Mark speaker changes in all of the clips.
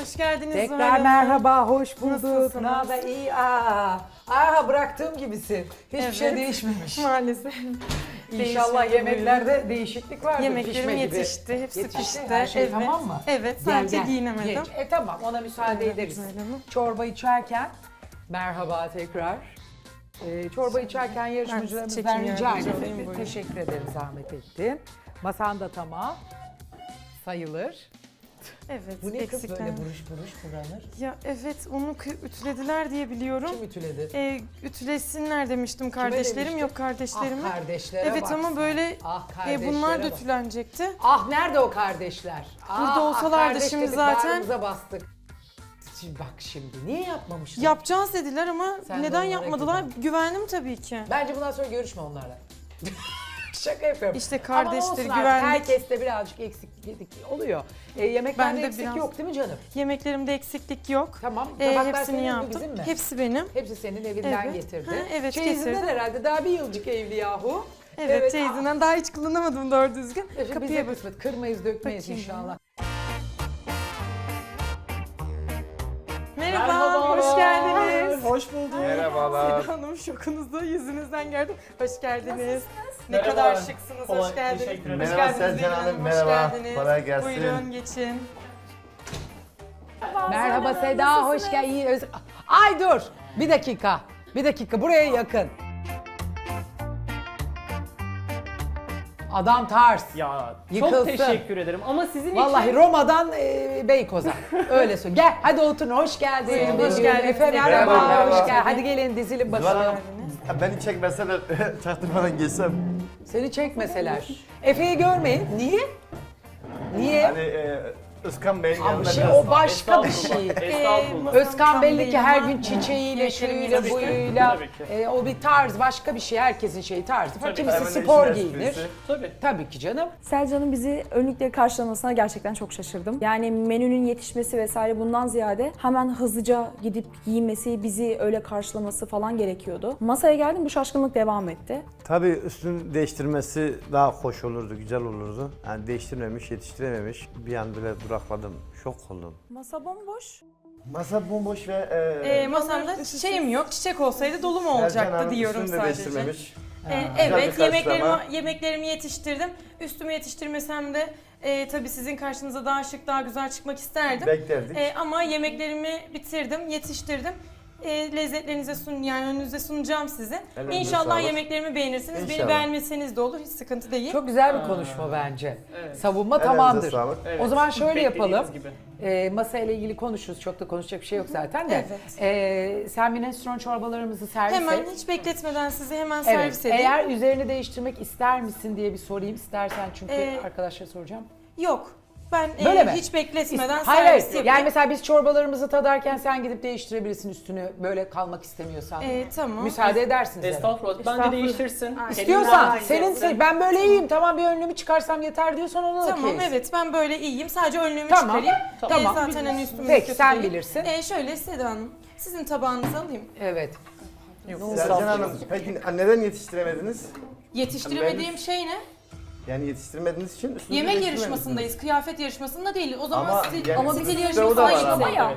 Speaker 1: Hoş geldiniz.
Speaker 2: Tekrar merhaba, hoş bulduk.
Speaker 1: Nasılsınız?
Speaker 2: Ne haber? İyi. Bıraktığım gibisin. Hiçbir şey değişmemiş.
Speaker 1: Maalesef.
Speaker 2: İnşallah
Speaker 1: Değişmedi,
Speaker 2: yemeklerde değişiklik vardır.
Speaker 1: Yemeklerim
Speaker 2: pişme gibi.
Speaker 1: yetişti, hepsi pişti.
Speaker 2: Her şey
Speaker 1: Evet.
Speaker 2: tamam mı?
Speaker 1: Evet,
Speaker 2: Gel,
Speaker 1: sadece
Speaker 2: gel.
Speaker 1: giyinemedim.
Speaker 2: Geç. Tamam, ona müsaade
Speaker 1: Evet,
Speaker 2: ederiz.
Speaker 1: güzel hanım.
Speaker 2: Çorba içerken, merhaba tekrar. Çorba içerken yarışmacılarımızdan
Speaker 1: çekim
Speaker 2: rica
Speaker 1: yardımcı
Speaker 2: ederim.
Speaker 1: olayım, buyurun.
Speaker 2: Teşekkür ederim, zahmet ettin. Masan da tamam. Sayılır.
Speaker 1: Evet,
Speaker 2: Bu ne kız
Speaker 1: eksikler.
Speaker 2: böyle buruş buruş buranır?
Speaker 1: Ya evet, onu ütülediler diye biliyorum.
Speaker 2: Kim ütüledi?
Speaker 1: Ütülesinler demiştim kardeşlerim.
Speaker 2: demiştin?
Speaker 1: Yok kardeşlerime.
Speaker 2: Ah kardeşlere
Speaker 1: Evet
Speaker 2: bak
Speaker 1: ama
Speaker 2: sen.
Speaker 1: böyle
Speaker 2: Ah kardeşlere
Speaker 1: bunlar da
Speaker 2: bak.
Speaker 1: ütülenecekti.
Speaker 2: Ah nerede o kardeşler?
Speaker 1: Burada olsalardı
Speaker 2: kardeş
Speaker 1: şimdi
Speaker 2: dedik,
Speaker 1: zaten.
Speaker 2: bağrımıza bastık. Şimdi bak şimdi niye yapmamışlar?
Speaker 1: Yapacağız dediler ama
Speaker 2: Sen de
Speaker 1: neden
Speaker 2: onlara
Speaker 1: yapmadılar? Güvendim tabii ki.
Speaker 2: Bence bundan sonra görüşme onlarla. Şaka yapıyorum.
Speaker 1: İşte
Speaker 2: Ama
Speaker 1: kardeştir,
Speaker 2: olsun artık,
Speaker 1: güvenlik.
Speaker 2: herkeste birazcık eksiklik oluyor. Yemeklerde
Speaker 1: Ben de
Speaker 2: eksik
Speaker 1: biraz-
Speaker 2: yok değil mi canım?
Speaker 1: Yemeklerimde eksiklik yok.
Speaker 2: Tamam. Tabaklar
Speaker 1: Hepsini
Speaker 2: senin mi, bizim
Speaker 1: yaptım.
Speaker 2: mi?
Speaker 1: Hepsi benim.
Speaker 2: Hepsi senin evinden
Speaker 1: Evet.
Speaker 2: getirdi.
Speaker 1: Ha, evet,
Speaker 2: Çeyizinden
Speaker 1: getirdim.
Speaker 2: herhalde daha bir yılcık evli yahu.
Speaker 1: Evet, teyzenden daha hiç kullanamadım doğru düzgün.
Speaker 2: Bize
Speaker 1: Kapıya bak.
Speaker 2: kısmet. Kırmayız dökmeyiz
Speaker 1: Bakayım
Speaker 2: inşallah.
Speaker 1: Merhaba, hoş geldiniz.
Speaker 3: Hoş bulduk.
Speaker 4: Merhabalar.
Speaker 1: Seda Hanım şokunuzu yüzünüzden gördüm. Hoş geldiniz. Ne
Speaker 3: Merhaba.
Speaker 1: kadar şıksınız, hoş
Speaker 3: Kolay,
Speaker 1: geldiniz.
Speaker 3: teşekkür ederim.
Speaker 1: Hoş
Speaker 4: Merhaba
Speaker 1: geldiniz
Speaker 4: Selcan
Speaker 1: Nevin
Speaker 4: Hanım,
Speaker 1: hoş
Speaker 4: merhaba.
Speaker 1: geldiniz.
Speaker 4: Kolay gelsin.
Speaker 1: Buyurun geçin.
Speaker 2: Merhaba Seda, hoş geldin. Ay dur, bir dakika. Bir dakika, buraya yakın. Adam tarz.
Speaker 3: Ya
Speaker 2: Yıkılsın.
Speaker 3: çok teşekkür ederim ama sizin
Speaker 2: Vallahi
Speaker 3: için...
Speaker 2: Roma'dan Beykoz'a. Öyle söyle. Gel hadi oturun. Hoş geldin.
Speaker 1: Buyurun, hoş geldiniz.
Speaker 2: Efe merhaba.
Speaker 4: Merhaba, merhaba.
Speaker 2: Hoş geldin. Hadi gelin dizilin
Speaker 4: Zuhal
Speaker 2: başına.
Speaker 4: Hanım, beni çekmeseler çaktırmadan geçsem.
Speaker 2: Seni çekmeseler. Efe'yi görmeyin. Niye? Niye?
Speaker 4: Hani Özkan Bey'in
Speaker 2: Ama
Speaker 4: yanında
Speaker 2: şey,
Speaker 4: biraz...
Speaker 2: o başka bir şey.
Speaker 3: Estağfurullah.
Speaker 2: Özkan belli ki her
Speaker 1: Bey'in
Speaker 2: gün çiçeğiyle,
Speaker 1: yemeklerimiz
Speaker 2: şuyla,
Speaker 1: tabii ki.
Speaker 2: buyuyla.
Speaker 3: Tabii ki.
Speaker 2: O bir tarz, başka bir şey. Herkesin şeyi tarzı.
Speaker 3: Tabii.
Speaker 2: Kimisi
Speaker 4: Hemen
Speaker 2: spor
Speaker 4: işin
Speaker 2: giyinir.
Speaker 4: esprisi.
Speaker 3: Tabii.
Speaker 2: Tabii ki canım.
Speaker 5: Selcan'ın bizi önlükle karşılamasına gerçekten çok şaşırdım. Yani menünün yetişmesi vesaire bundan ziyade hemen hızlıca gidip giyinmesi, bizi öyle karşılaması falan gerekiyordu. Masaya geldim, bu şaşkınlık devam etti.
Speaker 4: Tabii üstünü değiştirmesi daha hoş olurdu, güzel olurdu. Yani değiştirmemiş, yetiştirememiş. Bir an bile durakladım, şok oldum.
Speaker 5: Masa bomboş.
Speaker 4: Masa bomboş ve...
Speaker 1: Masamda çiçeğim yok. Çiçek olsaydı dolu mu
Speaker 4: Sercan
Speaker 1: olacaktı
Speaker 4: Hanım
Speaker 1: diyorum
Speaker 4: üstünü de
Speaker 1: sadece.
Speaker 4: değiştirmemiş.
Speaker 1: Evet,
Speaker 4: Güzel bir karşılama.
Speaker 1: yemeklerimi yetiştirdim. Üstümü yetiştirmesem de tabii sizin karşınıza daha şık, daha güzel çıkmak isterdim.
Speaker 4: Beklerdik.
Speaker 1: Ama yemeklerimi bitirdim, yetiştirdim. Lezzetlerinize yani önünüze sunacağım size.
Speaker 4: Ellerinize
Speaker 1: İnşallah
Speaker 4: sağlık.
Speaker 1: yemeklerimi beğenirsiniz. Beni
Speaker 4: İnşallah.
Speaker 1: beğenmeseniz de olur, hiç sıkıntı değil.
Speaker 2: Çok güzel bir konuşma bence.
Speaker 3: Evet.
Speaker 2: Savunma
Speaker 4: Ellerinize
Speaker 2: tamamdır.
Speaker 4: sağlık.
Speaker 3: Evet.
Speaker 2: O zaman şöyle
Speaker 3: Beklediğiniz
Speaker 2: yapalım.
Speaker 3: gibi.
Speaker 2: Masayla ilgili konuşuruz. Çok da konuşacak bir şey yok zaten de.
Speaker 1: Evet.
Speaker 2: Sen minestrone çorbalarımızı servis
Speaker 1: Hemen
Speaker 2: et.
Speaker 1: hiç bekletmeden sizi hemen
Speaker 2: Evet.
Speaker 1: servis edeyim.
Speaker 2: Eğer üzerini değiştirmek ister misin diye bir sorayım. İstersen çünkü arkadaşlara soracağım.
Speaker 1: Yok. Ben
Speaker 2: Böyle mi?
Speaker 1: hiç bekletmeden
Speaker 2: Hayır,
Speaker 1: servis
Speaker 2: hayır.
Speaker 1: yapayım.
Speaker 2: Yani mesela biz çorbalarımızı tadarken sen gidip değiştirebilirsin üstünü böyle kalmak istemiyorsan.
Speaker 1: Tamam.
Speaker 2: Müsaade edersiniz. herhalde.
Speaker 3: Estağfurullah. Bence değiştirsin.
Speaker 2: İstiyorsan,
Speaker 3: Elinden-
Speaker 2: senin ben böyle iyiyim tamam bir önlüğümü çıkarsam yeter diyorsan ona da
Speaker 1: Tamam
Speaker 2: okeyiz.
Speaker 1: evet ben böyle iyiyim. Sadece önlüğümü
Speaker 2: Tamam,
Speaker 1: çıkarayım.
Speaker 2: tamam.
Speaker 1: Zaten hani üstümü
Speaker 2: Peki, sen
Speaker 1: kötüleyeyim.
Speaker 2: bilirsin.
Speaker 1: Şöyle Seda Hanım sizin tabağınızı alayım.
Speaker 2: Evet.
Speaker 4: Sercan Hanım, peki neden yetiştiremediniz?
Speaker 1: Yetiştiremediğim şey ne?
Speaker 4: Yani yetiştirmediğiniz için üstünüzü
Speaker 1: Yemek
Speaker 4: değiştirmediniz.
Speaker 1: yarışmasındayız. Kıyafet yarışmasında değil. O zaman
Speaker 4: Ama
Speaker 1: stil,
Speaker 4: yani
Speaker 1: stil
Speaker 4: sizde
Speaker 1: yarışması
Speaker 4: o da var
Speaker 1: ayrı
Speaker 4: ama.
Speaker 1: ya.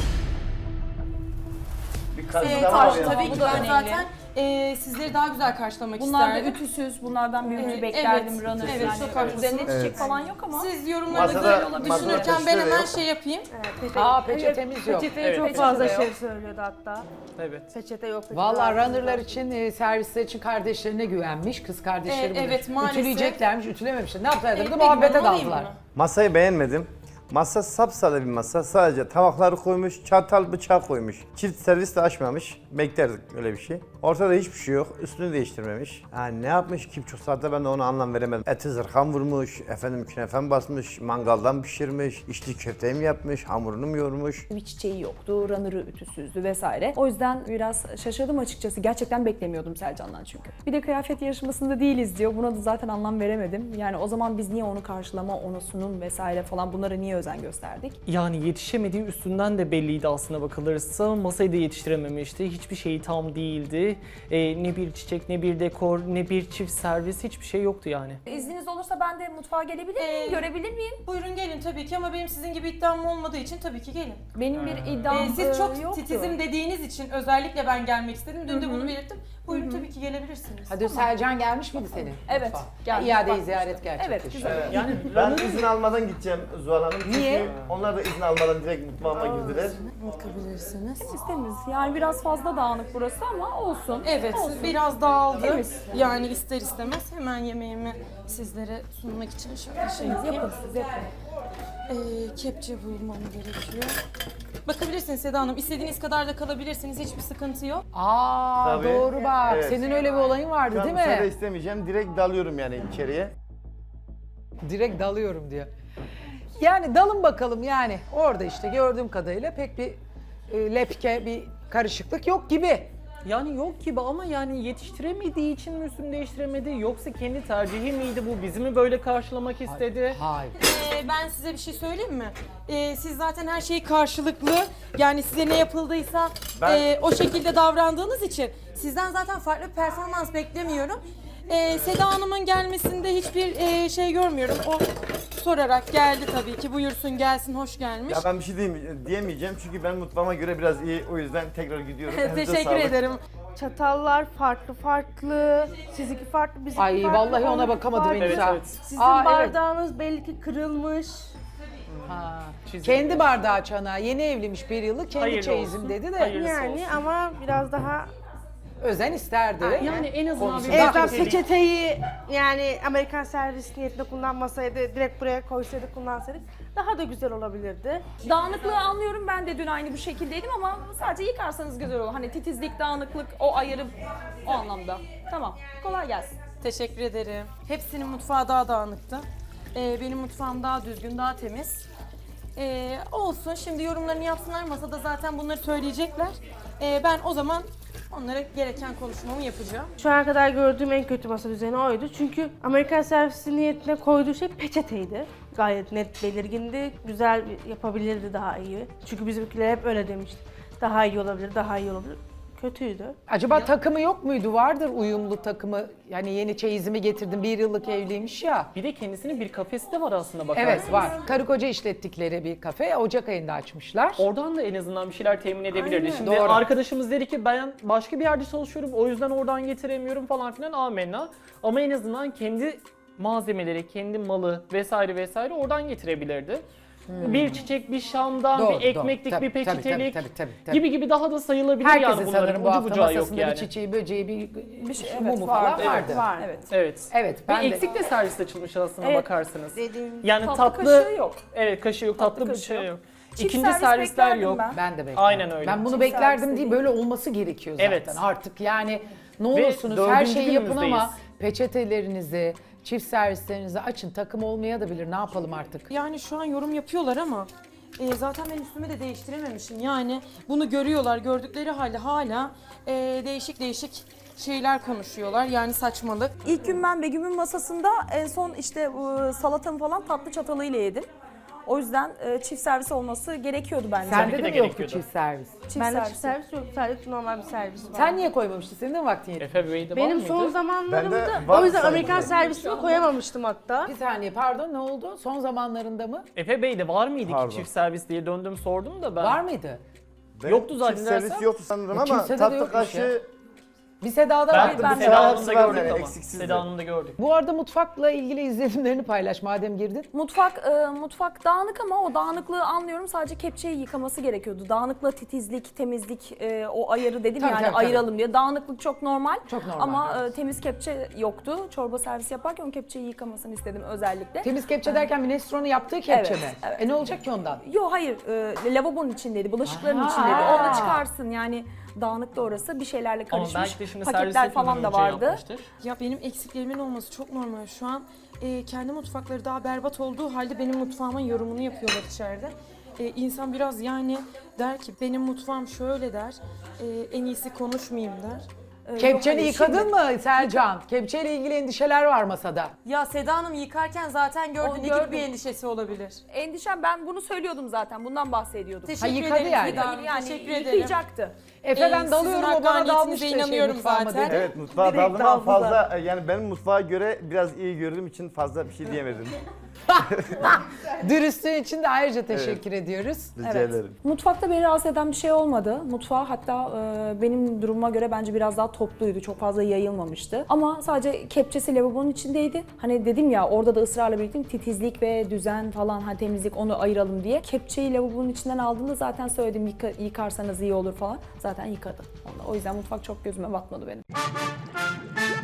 Speaker 4: Bir karşılama var yani.
Speaker 1: Tabii ki
Speaker 5: Bu da
Speaker 1: ben
Speaker 5: önemli.
Speaker 1: zaten sizleri daha güzel karşılamak
Speaker 5: Bunlar da
Speaker 1: isterdim.
Speaker 5: ütüsüz, bunlardan bir ütü
Speaker 1: Evet,
Speaker 5: beklerdim,
Speaker 1: evet,
Speaker 5: runner
Speaker 1: evet,
Speaker 5: yani.
Speaker 1: çok haklısınız.
Speaker 5: Üzerinde çiçek
Speaker 4: Evet.
Speaker 5: falan yok ama.
Speaker 1: Siz yorumlarınızı
Speaker 4: Masada
Speaker 1: düşünürken ben
Speaker 4: peçete
Speaker 1: hemen
Speaker 4: yok.
Speaker 1: şey yapayım.
Speaker 2: Peçetemiz yok.
Speaker 6: Peçeteye
Speaker 3: Evet,
Speaker 6: çok
Speaker 3: peçete
Speaker 6: fazla
Speaker 5: yok.
Speaker 6: şey söylüyordu hatta.
Speaker 3: Evet.
Speaker 6: Peçete yok.
Speaker 2: Vallahi runnerlar için, servisler için kardeşlerine güvenmiş. Kız kardeşleri bunu
Speaker 1: evet, maalesef.
Speaker 2: ütüleyeceklermiş, ütülememişler. Ne yaptılar?
Speaker 1: Peki,
Speaker 2: Muhabbete
Speaker 1: ben alayım
Speaker 2: daldılar.
Speaker 1: bunu.
Speaker 4: Masayı beğenmedim. Masa sapsarı bir masa. Sadece tabakları koymuş, çatal bıçak koymuş. Çift servis de açmamış. Beklerdik öyle bir şey. Ortada hiçbir şey yok. Üstünü değiştirmemiş. Yani ne yapmış ki çok saatte ben de ona anlam veremedim. Eti zırham vurmuş, efendim künefen basmış, mangaldan pişirmiş, içli köfteyi mi yapmış, hamurunu mu yoğurmuş.
Speaker 5: Bir çiçeği yoktu, runner'ı ütüsüzdü vesaire. O yüzden biraz şaşırdım açıkçası. Gerçekten beklemiyordum Selcan'dan çünkü. Bir de kıyafet yarışmasında değiliz diyor. Buna da zaten anlam veremedim. Yani o zaman biz niye onu karşılama, onu sunum vesaire falan bunları niye özen gösterdik.
Speaker 3: Yani yetişemediği üstünden de belliydi aslına bakılırsa. Masayı da yetiştirememişti. Hiçbir şeyi tam değildi. Ne bir çiçek, ne bir dekor, ne bir çift servis, hiçbir şey yoktu yani.
Speaker 5: İzniniz olursa ben de mutfağa gelebilir miyim? Görebilir miyim?
Speaker 1: Buyurun gelin tabii ki ama benim sizin gibi iddiam olmadığı için tabii ki gelin.
Speaker 5: Benim bir iddiam
Speaker 1: Siz çok
Speaker 5: yoktu.
Speaker 1: titizim dediğiniz için özellikle ben gelmek istedim. Dün de bunu belirttim. Buyurun tabii ki gelebilirsiniz.
Speaker 2: Hadi Selcan gelmiş miydi senin?
Speaker 5: Evet,
Speaker 2: mutfağa?
Speaker 5: geldi.
Speaker 2: İadeyi
Speaker 5: Bak,
Speaker 2: ziyaret gerçekleşti.
Speaker 5: güzel.
Speaker 3: Yani
Speaker 4: Ben izin almadan gideceğim Zuhal Hanım. Çünkü
Speaker 2: Niye?
Speaker 4: onlar da izin almadan direkt mutfağıma girdiler.
Speaker 1: Bakabilirsiniz.
Speaker 5: Temiz. Yani biraz fazla dağınık burası ama olsun.
Speaker 1: Evet,
Speaker 5: Olsun.
Speaker 1: biraz dağıldı.
Speaker 5: Temiz.
Speaker 1: Yani ister istemez hemen yemeğimi sizlere sunmak için şöyle şey yapayım.
Speaker 5: Yapın siz yapın.
Speaker 1: Kepçe bulmam gerekiyor. Bakabilirsiniz Seda Hanım. İstediğiniz kadar da kalabilirsiniz. Hiçbir sıkıntı yok.
Speaker 2: Aa
Speaker 4: Tabii.
Speaker 2: doğru bak.
Speaker 4: Evet.
Speaker 2: Senin öyle bir olayın vardı
Speaker 4: Şu an
Speaker 2: değil
Speaker 4: müsaade
Speaker 2: mi?
Speaker 4: istemeyeceğim. Direkt dalıyorum yani içeriye.
Speaker 2: Direkt dalıyorum diyor. Yani dalın bakalım yani. Orada işte gördüğüm kadarıyla pek bir lepke, bir karışıklık yok gibi.
Speaker 3: Yani yok gibi ama yani yetiştiremediği için mi üstünü değiştiremedi, yoksa kendi tercihi miydi bu? Bizi mi böyle karşılamak istedi?
Speaker 2: Hayır.
Speaker 1: Ben size bir şey söyleyeyim mi? Siz zaten her şeyi karşılıklı, yani size ne yapıldıysa o şekilde davrandığınız için sizden zaten farklı bir performans beklemiyorum. Seda Hanım'ın gelmesinde hiçbir şey görmüyorum. O sorarak geldi tabii ki. Buyursun gelsin, hoş gelmiş.
Speaker 4: Ya ben bir şey diyemeyeceğim çünkü ben mutfağıma göre biraz iyi. O yüzden tekrar gidiyorum. Elinize
Speaker 1: Teşekkür
Speaker 4: sağlık.
Speaker 1: ederim.
Speaker 6: Çatallar farklı, sizinki farklı, bizimki
Speaker 2: Ay
Speaker 6: farklı.
Speaker 2: vallahi ona
Speaker 6: onunki
Speaker 2: bakamadım
Speaker 6: farklı.
Speaker 2: henüz
Speaker 3: Evet,
Speaker 2: ha.
Speaker 3: evet.
Speaker 6: Sizin
Speaker 2: Aa, evet.
Speaker 6: bardağınız belli ki kırılmış.
Speaker 2: Ha.
Speaker 3: Çizim.
Speaker 2: Kendi bardağı çanağı, yeni evliymiş bir yıllık, kendi
Speaker 3: Hayırlı
Speaker 2: çeyizim
Speaker 3: olsun.
Speaker 2: dedi de
Speaker 3: Hayırlısı
Speaker 6: Yani
Speaker 3: olsun.
Speaker 6: ama biraz daha
Speaker 2: özen isterdi.
Speaker 3: Yani en azından bir
Speaker 2: Konuşalım.
Speaker 6: en azından
Speaker 3: peçetelik-
Speaker 6: peçeteyi yani Amerikan servis niyetinde kullanmasaydı, direkt buraya koysaydık, kullansaydık daha da güzel olabilirdi.
Speaker 5: Dağınıklığı anlıyorum. Ben de dün aynı bu şekildeydim ama sadece yıkarsanız güzel olur. Hani titizlik, dağınıklık, o ayırı o anlamda. Tamam. Kolay gelsin.
Speaker 1: Teşekkür ederim. Hepsinin mutfağı daha dağınıktı. Benim mutfağım daha düzgün, daha temiz. Olsun, şimdi yorumlarını yapsınlar. Masada zaten bunları söyleyecekler. Ben o zaman onlara gereken konuşmamı yapacağım.
Speaker 6: Şu ana kadar gördüğüm en kötü masa düzeni oydu. Çünkü Amerikan servisi niyetine koyduğu şey peçeteydi. Gayet net, belirgindi. Güzel yapabilirdi daha iyi. Çünkü bizimkiler hep öyle demişti. Daha iyi olabilir, daha iyi olabilir. Kötüydü.
Speaker 2: Acaba takımı yok muydu? Vardır uyumlu takımı. Yani yeni çeyizimi getirdim. Bir yıllık evliymiş ya.
Speaker 3: Bir de kendisinin bir kafesi de var aslında bakarsanız.
Speaker 2: Evet var. Karı koca işlettikleri bir kafe. Ocak ayında açmışlar.
Speaker 3: Oradan da en azından bir şeyler temin edebilirdi.
Speaker 2: Aynen.
Speaker 3: Şimdi
Speaker 2: Doğru.
Speaker 3: arkadaşımız dedi ki ben başka bir yerde çalışıyorum, o yüzden oradan getiremiyorum falan filan, amenna. Ama en azından kendi malzemeleri, kendi malı vesaire vesaire oradan getirebilirdi. Bir çiçek, bir şamdan,
Speaker 2: Doğru,
Speaker 3: bir ekmeklik,
Speaker 2: doğru.
Speaker 3: bir
Speaker 2: Tabii,
Speaker 3: peçetelik
Speaker 2: tabii.
Speaker 3: gibi gibi daha da sayılabilir
Speaker 2: Herkesin
Speaker 3: yani bunların.
Speaker 2: sanırım bu
Speaker 3: Ucu
Speaker 2: hafta
Speaker 3: bucağı yok
Speaker 2: masasında
Speaker 3: yani.
Speaker 2: bir çiçeği, böceği, bir
Speaker 5: şey,
Speaker 2: mumu falan vardı.
Speaker 5: Var. Evet.
Speaker 3: Evet.
Speaker 2: Evet.
Speaker 3: Ve
Speaker 2: Ben de.
Speaker 3: eksik de servis açılmış aslına
Speaker 6: Evet,
Speaker 3: bakarsanız.
Speaker 6: dediğim
Speaker 3: Yani
Speaker 5: Tatlı kaşığı yok.
Speaker 3: Evet, kaşığı yok, tatlı bir
Speaker 5: kaşığı
Speaker 3: şey
Speaker 5: yok.
Speaker 3: yok.
Speaker 5: Çift
Speaker 3: İkinci
Speaker 5: servis
Speaker 3: servisler
Speaker 5: beklerdim
Speaker 3: yok.
Speaker 5: ben.
Speaker 2: Ben de beklerdim.
Speaker 3: Aynen öyle.
Speaker 2: Ben bunu
Speaker 5: Çift
Speaker 2: beklerdim
Speaker 5: servis
Speaker 2: değil,
Speaker 5: değil.
Speaker 2: böyle olması gerekiyor zaten.
Speaker 3: Evet.
Speaker 2: Artık yani ne
Speaker 3: Ve
Speaker 2: olursunuz her
Speaker 3: dördüncü
Speaker 2: şeyi yapın ama
Speaker 3: günümüzdeyiz.
Speaker 2: peçetelerinizi, çift servislerinizi açın. Takım olmaya da bilir. Ne yapalım artık?
Speaker 1: Yani şu an yorum yapıyorlar ama zaten ben üstümü de değiştirememişim. Yani bunu görüyorlar, gördükleri halde hala değişik değişik şeyler konuşuyorlar. Yani saçmalık.
Speaker 5: İlk gün ben Begüm'ün masasında en son işte salatamı falan tatlı çatalıyla yedim. O yüzden çift servis olması gerekiyordu bence.
Speaker 2: Sende
Speaker 3: de
Speaker 2: de mi yoktu
Speaker 3: gerekiyordu.
Speaker 2: çift servis?
Speaker 5: Çift
Speaker 6: Bende
Speaker 5: servis.
Speaker 6: çift servis yok, sadece normal bir servis var.
Speaker 2: Sen niye koymamıştın? Senin de mi vaktin yetmedi?
Speaker 3: Efe Bey'de var
Speaker 6: Benim
Speaker 3: mıydı?
Speaker 6: son zamanlarımda
Speaker 4: Bende var
Speaker 6: o yüzden
Speaker 4: sanki.
Speaker 6: Amerikan servisini koyamamıştım hatta.
Speaker 2: Bir saniye pardon, ne oldu? Son zamanlarında mı?
Speaker 3: Efe Bey'de var mıydı
Speaker 4: Pardon.
Speaker 3: ki çift servis diye döndüm sordum da ben.
Speaker 2: Var mıydı?
Speaker 4: Benim
Speaker 3: Yoktu zaten
Speaker 4: çift servis
Speaker 3: dersem.
Speaker 4: yoktu sanırım ama
Speaker 2: kimsede de
Speaker 4: tatlı
Speaker 2: yokmuş
Speaker 4: kaşığı
Speaker 2: Bir Seda'da
Speaker 3: Ben,
Speaker 2: vardı.
Speaker 3: ben
Speaker 4: bir
Speaker 3: Seda
Speaker 4: Seda
Speaker 3: Hanım'da
Speaker 4: hepsi var
Speaker 3: gördük
Speaker 4: yani,
Speaker 3: ama.
Speaker 4: eksiksizdi.
Speaker 3: Seda Hanım'da gördük.
Speaker 2: Bu arada mutfakla ilgili izlenimlerini paylaş madem girdin.
Speaker 5: Mutfak dağınık ama o dağınıklığı anlıyorum. Sadece kepçeyi yıkaması gerekiyordu. Dağınıkla titizlik, temizlik, o ayarı dedim
Speaker 2: Tabii,
Speaker 5: yani
Speaker 2: tabii,
Speaker 5: ayıralım diye. Dağınıklık çok normal.
Speaker 2: Çok normal,
Speaker 5: Ama
Speaker 2: evet.
Speaker 5: temiz kepçe yoktu. Çorba servisi yaparken o kepçeyi yıkamasını istedim özellikle.
Speaker 2: Temiz kepçe derken minestrone'u yaptığı kepçe
Speaker 5: Evet,
Speaker 2: mi?
Speaker 5: evet.
Speaker 2: Ne olacak ki ondan?
Speaker 5: Yok hayır, lavabonun içindeydi, bulaşıkların
Speaker 2: Aha.
Speaker 5: içindeydi. Onu çıkarsın yani dağınıktı orası. Bir şeylerle
Speaker 3: Ama
Speaker 5: karışmış.
Speaker 3: belki de şimdi
Speaker 5: Paketler
Speaker 3: servis
Speaker 5: falan da vardı.
Speaker 3: Yapmıştır.
Speaker 1: Ya benim eksiklerimin olması çok normal. Şu an kendi mutfakları daha berbat olduğu halde benim mutfağımın yorumunu yapıyorlar içeride. İnsan biraz yani der ki benim mutfağım şöyle der, en iyisi konuşmayayım der.
Speaker 2: Kepçeni
Speaker 5: hayır,
Speaker 2: yıkadın
Speaker 5: şimdi-
Speaker 2: mı Selcan? Kepçeyle ilgili endişeler var masada.
Speaker 1: Ya Seda Hanım yıkarken zaten gördün,
Speaker 5: Onu
Speaker 1: ne gibi
Speaker 5: gördüm.
Speaker 1: bir endişesi olabilir?
Speaker 5: Endişem, ben bunu söylüyordum zaten. Bundan bahsediyordum.
Speaker 1: Teşekkür
Speaker 2: yıkadı
Speaker 1: ederim
Speaker 2: yani.
Speaker 1: Seda Hanım,
Speaker 5: Yani
Speaker 1: teşekkür ederim.
Speaker 5: yıkayacaktı.
Speaker 2: Efe ben dalıyorum,
Speaker 1: sizin
Speaker 2: o bana dalmıştı
Speaker 1: hakkaniyetinize inanıyorum
Speaker 2: mutfağıma
Speaker 1: zaten.
Speaker 2: dedi.
Speaker 4: Evet, mutfağa
Speaker 5: Direkt
Speaker 4: daldım ama
Speaker 5: daldılar.
Speaker 4: fazla yani benim mutfağa göre biraz iyi gördüğüm için fazla bir şey diyemedim.
Speaker 2: Dürüstlüğün için de ayrıca teşekkür ediyoruz.
Speaker 4: Rica
Speaker 5: Evet.
Speaker 4: ederim.
Speaker 5: Mutfakta beni rahatsız eden bir şey olmadı. Mutfağı hatta benim durumuma göre bence biraz daha topluydu. Çok fazla yayılmamıştı. Ama sadece kepçesi lavabonun içindeydi. Hani dedim ya, orada da ısrarla belirttim, titizlik ve düzen falan, hani temizlik, onu ayıralım diye. Kepçeyi lavabonun içinden aldığımda zaten söyledim, yıkarsanız iyi olur falan. Zaten yıkadı. O yüzden mutfak çok gözüme batmadı benim.